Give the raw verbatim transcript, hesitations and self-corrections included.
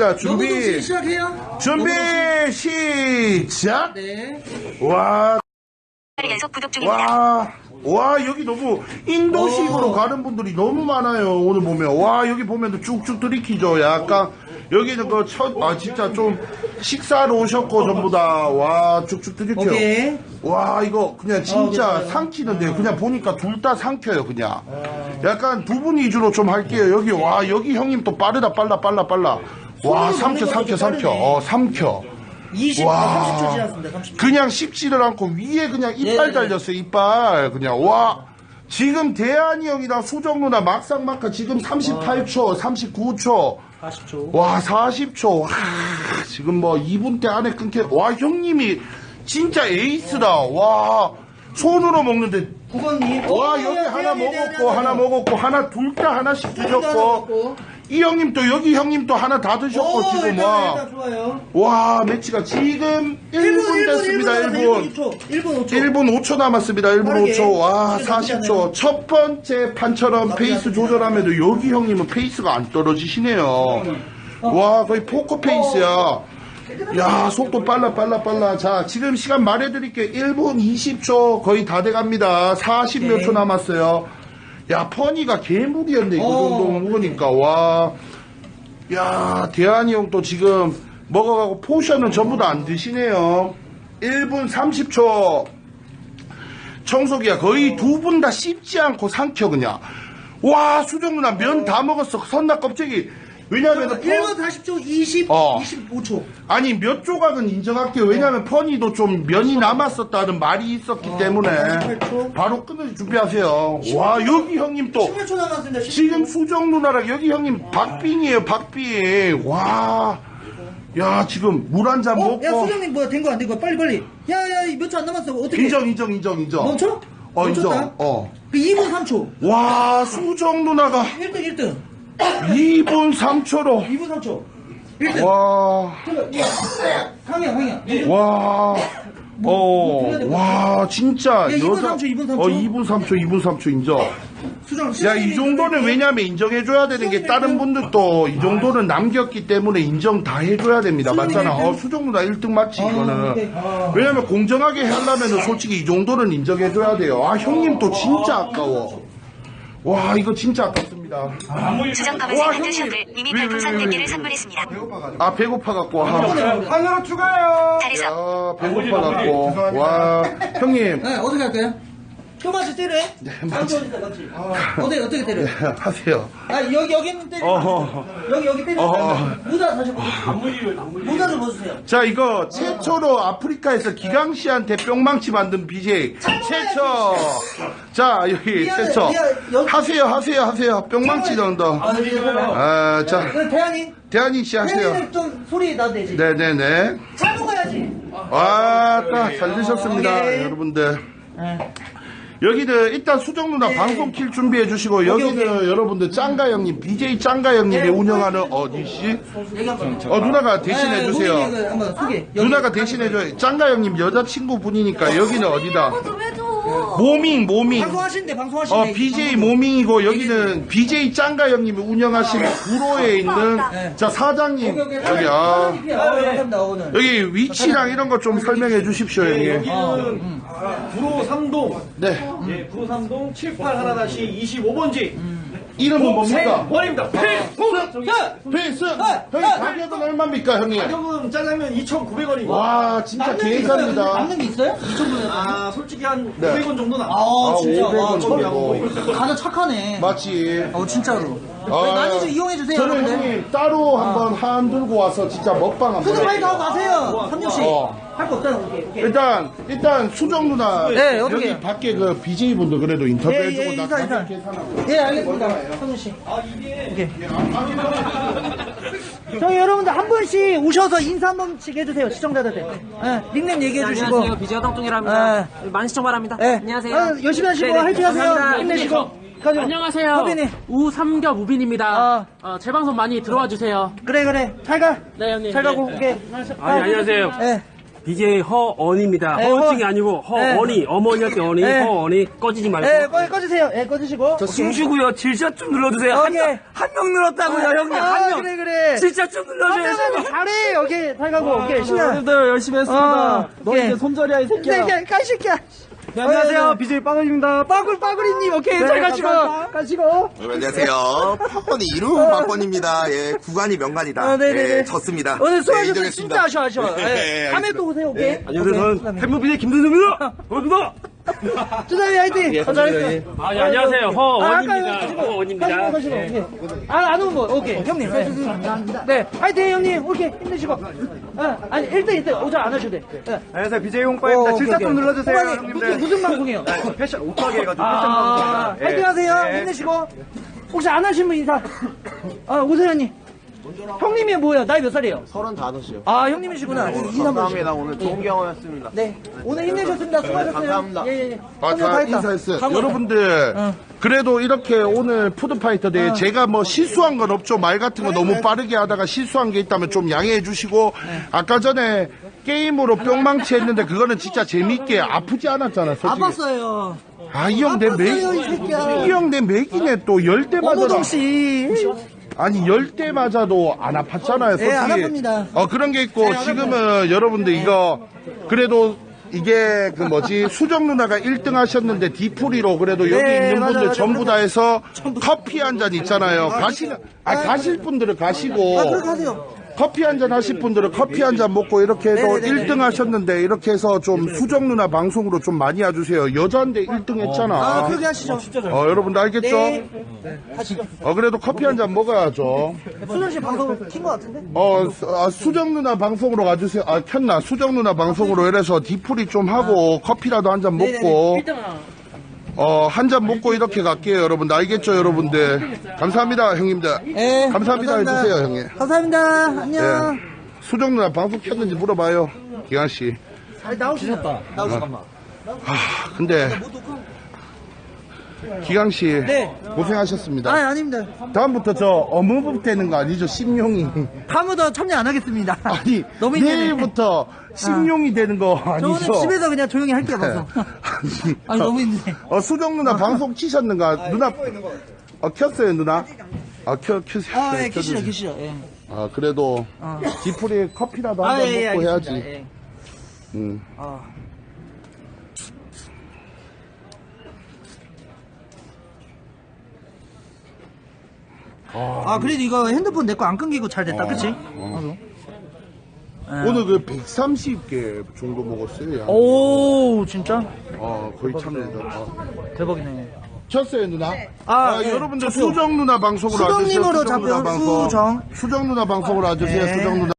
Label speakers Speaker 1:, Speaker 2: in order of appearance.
Speaker 1: 자, 준비.
Speaker 2: 시작해요.
Speaker 1: 준비, 시작.
Speaker 2: 네.
Speaker 1: 와.
Speaker 3: 연속 구독 중입니다.
Speaker 1: 와, 와, 여기 너무 인도식으로
Speaker 2: 오.
Speaker 1: 가는 분들이 너무 많아요. 오늘 보면. 와, 여기 보면 쭉쭉 들이키죠. 약간, 여기는 그 첫, 아, 진짜 좀 식사로 오셨고, 전부 다. 와, 쭉쭉 들이켜요.
Speaker 2: 오케이.
Speaker 1: 와, 이거 그냥 진짜
Speaker 2: 어,
Speaker 1: 삼키는데요. 그냥 보니까 둘 다 삼켜요, 그냥. 약간 두 분 위주로 좀 할게요. 여기, 와, 여기 형님 또 빠르다, 빨라, 빨라, 빨라. 와, 삼켜, 삼켜, 삼켜. 어, 삼켜.
Speaker 2: 이십,
Speaker 1: 와.
Speaker 2: 삼십 초 지났습니다. 삼십 초.
Speaker 1: 그냥 씹지를 않고 위에 그냥 이빨
Speaker 2: 네.
Speaker 1: 달렸어요, 이빨. 그냥, 와. 지금 대한이 형이랑 수정 누나 막상막하 지금 삼십팔 초, 삼십구 초.
Speaker 2: 사십 초.
Speaker 1: 와, 사십 초. 와, 지금 뭐 이 분대 안에 끊겨. 와, 형님이 진짜 에이스다. 와, 손으로 먹는데.
Speaker 2: 구건님.
Speaker 1: 와, 여기 하나 먹었고, 하나 먹었고, 하나, 둘 다 하나씩 드셨고. 이 형님 또, 여기 형님 또 하나 다 드셨고, 지금
Speaker 2: 일단,
Speaker 1: 와.
Speaker 2: 일단 좋아요.
Speaker 1: 와, 매치가 지금 일 분 됐습니다, 일 분.
Speaker 2: 일 분 오 초.
Speaker 1: 일 분 오 초 남았습니다. 일 분
Speaker 2: 빠르게.
Speaker 1: 오 초. 와,
Speaker 2: 빠르게
Speaker 1: 사십 초.
Speaker 2: 넘기잖아요.
Speaker 1: 첫 번째 판처럼 페이스 조절하면도 여기 형님은 페이스가 안 떨어지시네요. 와, 거의 포커 페이스야. 야, 속도 빨라, 빨라, 빨라. 자, 지금 시간 말해드릴게요. 일 분 이십 초 거의 다 돼갑니다. 사십 몇 초 남았어요. 야, 퍼니가 개무리였네, 그 정도 먹으니까. 와. 야, 대한이 형 또 지금 먹어가고 포션은 전부 다 안 드시네요. 일 분 삼십 초. 청소기야, 거의 두 분 다 씹지 않고 삼켜, 그냥. 와, 수정 누나 면 다 먹었어. 선나 껍데기. 왜냐면,
Speaker 2: 일 분 사십 초, 이십,
Speaker 1: 어.
Speaker 2: 이십오 초.
Speaker 1: 아니, 몇 조각은 인정할게요. 왜냐면 퍼니도 좀 면이 남았었다는 말이 있었기 때문에.
Speaker 2: 사십팔 초.
Speaker 1: 바로 끊을 준비하세요. 와, 여기 형님 또.
Speaker 2: 십팔 초 남았습니다. 십팔 초.
Speaker 1: 지금 수정 누나랑 여기 형님 박빙이에요, 박빙. 와. 야, 지금 물 한 잔
Speaker 2: 어?
Speaker 1: 먹고.
Speaker 2: 야, 수정님 뭐야, 된 거 안 된 거? 빨리, 빨리. 야, 야, 몇 초 안 남았어. 어떻게.
Speaker 1: 인정, 인정, 인정, 인정.
Speaker 2: 멈춰?
Speaker 1: 어,
Speaker 2: 멈췄다?
Speaker 1: 인정. 어.
Speaker 2: 그 이 분 삼 초.
Speaker 1: 와, 수정 누나가
Speaker 2: 일 등, 일 등.
Speaker 1: 이 분 삼 초로.
Speaker 2: 이 분 삼 초. 일 등.
Speaker 1: 와.
Speaker 2: 황이야, 황이야.
Speaker 1: 와. 어, 와, 진짜.
Speaker 2: 야, 이 분 삼 초, 이 분 삼 초.
Speaker 1: 어, 이 분 삼 초, 이 분 삼 초 인정.
Speaker 2: 수정.
Speaker 1: 야, 이 정도는 왜냐면 인정해줘야 되는 게 다른 분들도 이 정도는 남겼기 때문에 인정 다 해줘야 됩니다. 맞잖아. 어, 수정 누나 일 등 맞지, 이거는. 왜냐면 공정하게 하려면 솔직히 이 정도는 인정해줘야 돼요. 아, 형님 또 진짜 아까워. 와, 이거 진짜 아깝습니다.
Speaker 3: 수정
Speaker 1: 와,
Speaker 3: 검은색
Speaker 1: 형님.
Speaker 3: 핸드숍을 이미
Speaker 1: 왜,
Speaker 3: 별풍선
Speaker 1: 왜,
Speaker 3: 네
Speaker 1: 왜,
Speaker 3: 개를
Speaker 1: 왜.
Speaker 3: 선물했습니다.
Speaker 1: 아, 배고파갖고. 아,
Speaker 4: 하나 추가요.
Speaker 3: 잘했어.
Speaker 1: 야, 배고파갖고. 와, 형님.
Speaker 2: 네, 어떻게 할까요? 토마스 때려? 네,
Speaker 1: 맞지.
Speaker 2: 맞지. 어떻게, 어떻게 때려?
Speaker 1: 하세요.
Speaker 2: 아, 여기, 여기는 때려.
Speaker 1: 어허.
Speaker 2: 여기, 여기 때려.
Speaker 1: 어허.
Speaker 2: 모자 다시 보세요. 모자 좀 벗으세요.
Speaker 1: 자, 이거 최초로 아프리카에서 기강 씨한테 뿅망치 만든 비제이 최초. 자, 여기
Speaker 2: 미안해,
Speaker 1: 최초.
Speaker 2: 미안해, 여기-
Speaker 1: 하세요, 하세요, 하세요. 뿅망치 넣는다.
Speaker 2: 아, 네, 네.
Speaker 1: 아, 자,
Speaker 2: 그럼 대한이?
Speaker 1: 대한이 씨 하세요.
Speaker 2: 대한이는 좀 소리 나도 되지.
Speaker 1: 네네네.
Speaker 2: 잘 먹어야지.
Speaker 1: 와, 딱 잘 드셨습니다,
Speaker 2: 오케이.
Speaker 1: 여러분들.
Speaker 2: 네.
Speaker 1: 여기는 일단 수정 누나
Speaker 2: 네.
Speaker 1: 방송 킬 준비해 주시고, 여기는
Speaker 2: 오케이.
Speaker 1: 여러분들 짱가 형님, 비제이 짱가 형님이
Speaker 2: 네,
Speaker 1: 운영하는 어디씨?
Speaker 2: 여기 한번.
Speaker 1: 어, 누나가 대신해
Speaker 2: 네,
Speaker 1: 주세요.
Speaker 2: 후기 이거 한번 소개. 여기.
Speaker 1: 누나가 대신해줘요. 짱가 형님 여자친구 분이니까 여기는 어디다?
Speaker 3: 좀 해줘.
Speaker 1: 모밍, 모밍.
Speaker 2: 방송하신대, 방송하신대.
Speaker 1: 어, 비제이 모밍이고, 여기는 비제이 짱가 형님이 운영하시는 구로에 있는,
Speaker 2: 네.
Speaker 1: 자, 사장님.
Speaker 2: 오케이, 오케이.
Speaker 1: 여기, 아.
Speaker 2: 아, 감사합니다, 오늘.
Speaker 1: 여기 위치랑 이런 거 좀 설명해 주십시오, 형님.
Speaker 4: 여기는 구로 삼 동.
Speaker 1: 네.
Speaker 4: 예, 구로 삼 동 칠팔 하나 이십오 번지.
Speaker 1: 이름은 뭡니까?
Speaker 4: 원입니다. 필통.
Speaker 1: 페이스! 형님, 가격은 얼마입니까, 형님?
Speaker 4: 가격은 짜장면 이천구백 원이고.
Speaker 1: 와, 진짜 계산입니다.
Speaker 2: 남는 게 있어요? 이천구백 원.
Speaker 4: 아, 솔직히 한
Speaker 1: 네.
Speaker 4: 오백 원 정도 나.
Speaker 2: 아, 진짜.
Speaker 1: 오백 원
Speaker 2: 와,
Speaker 1: 정도.
Speaker 2: 가자 착하네.
Speaker 1: 맞지.
Speaker 2: 어, 진짜로.
Speaker 1: 아,
Speaker 2: 많이 좀 이용해주세요,
Speaker 1: 저는
Speaker 2: 여러분들.
Speaker 1: 형님 따로 한번 한 들고 와서 진짜 먹방 한번
Speaker 2: 푸드파이터 하고
Speaker 1: 할게요.
Speaker 2: 가세요. 삼육씨.
Speaker 1: 어.
Speaker 2: 할 거 없잖아, 오케이. 오케이.
Speaker 1: 일단 일단 수정 누나
Speaker 2: 네, 어떻게
Speaker 1: 여기
Speaker 2: 해요?
Speaker 1: 밖에 그 비제이 분도 그래도 인터뷰해주고
Speaker 2: 예, 예,
Speaker 1: 나
Speaker 2: 인사, 인사.
Speaker 1: 가격 계산하고.
Speaker 2: 예, 알겠습니다. 삼육씨.
Speaker 4: 아, 이게.
Speaker 2: 오케이. 저희 여러분들 한 분씩 오셔서 인사 한 번씩 해주세요, 시청자들한테. 예, 닉네임 얘기해주시고.
Speaker 5: 안녕하세요. 비지어 똥똥이라 합니다. 많은 시청 바랍니다.
Speaker 2: 예.
Speaker 5: 안녕하세요.
Speaker 2: 아, 열심히 하시고
Speaker 5: 네네.
Speaker 2: 화이팅 하세요.
Speaker 5: 감사합니다.
Speaker 2: 힘내시고. 가지고.
Speaker 5: 안녕하세요.
Speaker 2: 허빈이.
Speaker 5: 우삼겹 우빈입니다.
Speaker 2: 아.
Speaker 5: 어, 제 방송 많이 들어와 주세요.
Speaker 2: 그래, 그래. 잘 가.
Speaker 5: 네, 형님.
Speaker 2: 잘 가고,
Speaker 5: 네.
Speaker 2: 오케이.
Speaker 5: 아니, 안녕하세요.
Speaker 2: 예.
Speaker 5: 비제이 허언입니다.
Speaker 2: 네,
Speaker 5: 허언증이
Speaker 2: 허-
Speaker 5: 아니고 허언이. 어머니 할 때 언이,
Speaker 2: 네.
Speaker 5: 허언이. 꺼지지 말고.
Speaker 2: 예, 꺼, 꺼주세요. 예, 꺼주시고.
Speaker 5: 저 숨쉬고요. 질샷 좀 눌러주세요.
Speaker 2: 오케이.
Speaker 5: 한 명 늘었다고요, 형님.
Speaker 2: 아,
Speaker 5: 한 명.
Speaker 2: 그래, 그래.
Speaker 5: 질샷 좀 눌러줘요.
Speaker 2: 하면 잘해. 오케이, 잘 가고. 오케이, 신나.
Speaker 4: 오늘도 열심히 했습니다.
Speaker 2: 어,
Speaker 4: 너
Speaker 2: 오케이.
Speaker 4: 이제 손절이야, 이 새끼야.
Speaker 2: 새끼야, 까시끼야.
Speaker 4: 네, 안녕하세요. 비제이 빵원입니다.
Speaker 2: 빠글, 빠글이님. 오케이,
Speaker 4: 네,
Speaker 2: 잘 가시고.
Speaker 4: 감사합니다.
Speaker 2: 가시고.
Speaker 6: 네, 안녕하세요. 박건이 이름 박건입니다. 예, 구간이 명간이다.
Speaker 2: 어, 네네네.
Speaker 6: 예, 졌습니다.
Speaker 2: 오늘 수고하셨어요.
Speaker 6: 네,
Speaker 2: 진짜 아쉬워, 아쉬워.
Speaker 6: 네,
Speaker 2: 예.
Speaker 6: 네,
Speaker 2: 다음에
Speaker 6: 알겠습니다.
Speaker 2: 또 오세요, 오케이.
Speaker 5: 안녕하세요. 저는 팬무비의 김준수입니다. 반갑습니다.
Speaker 2: 주사위 화이팅! 어, 잘했어.
Speaker 5: 아, 예, 안녕하세요. 허언입니다.
Speaker 2: 아, 가시고,
Speaker 5: 허언입니다.
Speaker 2: 가시고, 가시고. 오케이. 아, 안 오는 거. 오케이. 형님. 네. 감사합니다. 네. 화이팅, 형님. 오케이. 힘내시고. 어, 아니, 일 등, 일 등. 오잘 안 하셔도 돼. 네.
Speaker 4: 안녕하세요. 비제이 홍빠입니다.
Speaker 2: 어,
Speaker 4: 질샷
Speaker 2: 오케이,
Speaker 4: 좀
Speaker 2: 오케이.
Speaker 4: 눌러주세요,
Speaker 2: 홍반이
Speaker 4: 형님들.
Speaker 2: 무슨, 무슨 방송이에요?
Speaker 4: 네, 패션 옷가게 해가지고 패션
Speaker 2: 아,
Speaker 4: 방송입니다. 예.
Speaker 2: 화이팅 하세요.
Speaker 4: 예.
Speaker 2: 힘내시고. 혹시 안 하신 분 인사. 아, 오세현님. 형님이 뭐야? 나이 몇 살이에요?
Speaker 7: 서른다섯이요.
Speaker 2: 아, 형님이시구나. 인사 한번
Speaker 7: 감사합니다. 오늘 좋은 경험이었습니다.
Speaker 2: 네. 오늘 힘내셨습니다. 수고하셨어요.
Speaker 7: 감사합니다.
Speaker 2: 예, 예, 예.
Speaker 1: 아,
Speaker 2: 형님 다
Speaker 1: 다
Speaker 2: 했다.
Speaker 1: 인사했어요.
Speaker 2: 강호.
Speaker 1: 여러분들,
Speaker 2: 어.
Speaker 1: 그래도 이렇게 오늘 푸드파이터 대회 제가 뭐 실수한 건 없죠. 말 같은 거 너무 빠르게 하다가 실수한 게 있다면 좀 양해해 주시고, 아까 전에 게임으로 뿅망치 했는데 그거는 진짜 재밌게 아프지 않았잖아, 솔직히.
Speaker 2: 아팠어요.
Speaker 1: 아, 이 형 내 맥,
Speaker 2: 아팠어요, 이 새끼야.
Speaker 1: 이 형 내 맥이네 또 열 대 맞아라.
Speaker 2: 어무정씨.
Speaker 1: 아니 열 대 맞아도 안 아팠잖아요. 솔직히.
Speaker 2: 네, 안 아픕니다.
Speaker 1: 어 그런 게 있고 지금은 여러분들 이거 그래도 이게 그 뭐지 수정 누나가 일 등 하셨는데 디프리로 그래도 여기
Speaker 2: 네,
Speaker 1: 있는
Speaker 2: 맞아,
Speaker 1: 분들
Speaker 2: 맞아,
Speaker 1: 전부
Speaker 2: 맞아.
Speaker 1: 다 해서 커피 한 잔 있잖아요. 가시는 아 가실 분들은 가시고
Speaker 2: 아, 그렇게 하세요.
Speaker 1: 커피 한 잔 하실 분들은 커피 한 잔 먹고 이렇게 해서
Speaker 2: 네네네네.
Speaker 1: 일 등 하셨는데 이렇게 해서 좀 수정 누나 방송으로 좀 많이 와주세요. 여자인데 일 등 했잖아.
Speaker 2: 아, 그렇게 하시죠.
Speaker 1: 어, 여러분들 알겠죠?
Speaker 2: 네. 하시죠.
Speaker 1: 어, 그래도 커피 한 잔 먹어야죠.
Speaker 2: 수정 씨 방송 킨 것 같은데?
Speaker 1: 어, 수- 아, 수정 누나 방송으로 가주세요. 아, 켰나? 수정 누나 방송으로 이래서 디프리 좀 하고 커피라도 한 잔 먹고, 어, 한 잔 먹고 이렇게 갈게요, 여러분들. 알겠죠, 여러분들? 감사합니다, 형님들.
Speaker 2: 네.
Speaker 1: 감사합니다 해주세요, 형님.
Speaker 2: 감사합니다. 안녕.
Speaker 1: 예. 수정 누나 방송 켰는지 물어봐요, 기환씨.
Speaker 2: 잘 나오시셨다. 나오시잠깐만.
Speaker 1: 아, 근데, 기강씨.
Speaker 2: 네.
Speaker 1: 고생하셨습니다.
Speaker 2: 아, 아닙니다.
Speaker 1: 다음부터 저 어무법 되는 거 아니죠, 심용이.
Speaker 2: 다음부터 참여 안 하겠습니다.
Speaker 1: 아니,
Speaker 2: 너무 힘드네.
Speaker 1: 내일부터 심용이 되는 거
Speaker 2: 저
Speaker 1: 아니죠?
Speaker 2: 오늘 집에서 그냥 조용히 할게요, 방송.
Speaker 1: 아니,
Speaker 2: 아니, 너무 힘드네.
Speaker 1: 어, 수정 누나 방송 키셨는가? 누나, 어, 켰어요, 누나? 아, 켜, 켜세요.
Speaker 2: 아, 예,
Speaker 1: 켜주세요.
Speaker 2: 계시죠, 계시죠. 예.
Speaker 1: 아, 그래도,
Speaker 2: 어.
Speaker 1: 디프리에 커피라도
Speaker 2: 아,
Speaker 1: 한 잔
Speaker 2: 예, 예,
Speaker 1: 먹고
Speaker 2: 알겠습니다.
Speaker 1: 해야지.
Speaker 2: 예.
Speaker 1: 음.
Speaker 2: 아. 아, 그래도 이거 핸드폰 내 거 안 끊기고 잘 됐다, 그치?
Speaker 1: 어. 오늘 그 백삼십 개 정도 먹었어요, 양.
Speaker 2: 오, 진짜?
Speaker 1: 어, 거의 참여해서. 어.
Speaker 2: 대박이네.
Speaker 1: 켰어요, 누나?
Speaker 2: 아,
Speaker 1: 아,
Speaker 2: 네.
Speaker 1: 여러분들
Speaker 2: 저도요.
Speaker 1: 수정 누나 방송으로 와주세요.
Speaker 2: 수정님으로
Speaker 1: 수정 누나
Speaker 2: 잡혀요,
Speaker 1: 방송.
Speaker 2: 수정.
Speaker 1: 수정 누나 방송으로 와주세요,
Speaker 2: 네.
Speaker 1: 수정 누나.